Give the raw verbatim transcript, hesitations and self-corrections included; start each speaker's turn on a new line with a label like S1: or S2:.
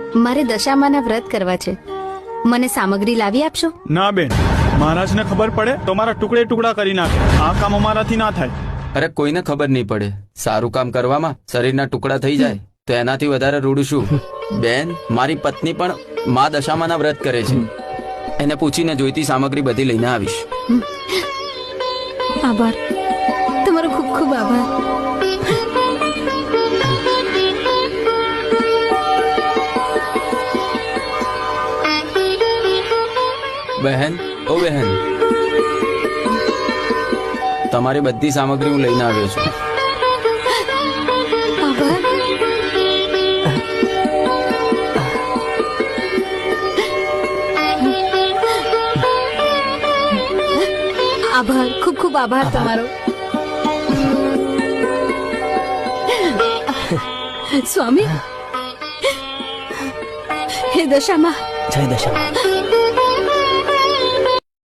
S1: મારે દશામાના વ્રત કરવા છે. મને સામગ્રી લાવી આપશો?
S2: ના બેન, મહારાજને ખબર પડે તો મારા ટુકડે ટુકડા કરી નાખે. આ કામ અમારાથી ના થાય.
S3: અરે કોઈને ખબર નહીં પડે. સારું કામ કરવામાં શરીરના ટુકડા થઈ જાય તો એનાથી વધારે રૂડું શું? બેન, મારી પત્ની પણ મા દશામાના વ્રત કરે છે. એને પૂછીને જોઈતી સામગ્રી બધી લઈને આવીશ.
S1: આભાર, તમારો ખૂબ ખૂબ આભાર.
S3: બહેન, ઓ બહેન, તમારી બધી સામગ્રી હું લઈને આવ્યો છું.
S1: આભાર. આભાર, ખૂબ ખૂબ આભાર તમારો. સ્વામી, હે દશામાં,
S4: જય દશા.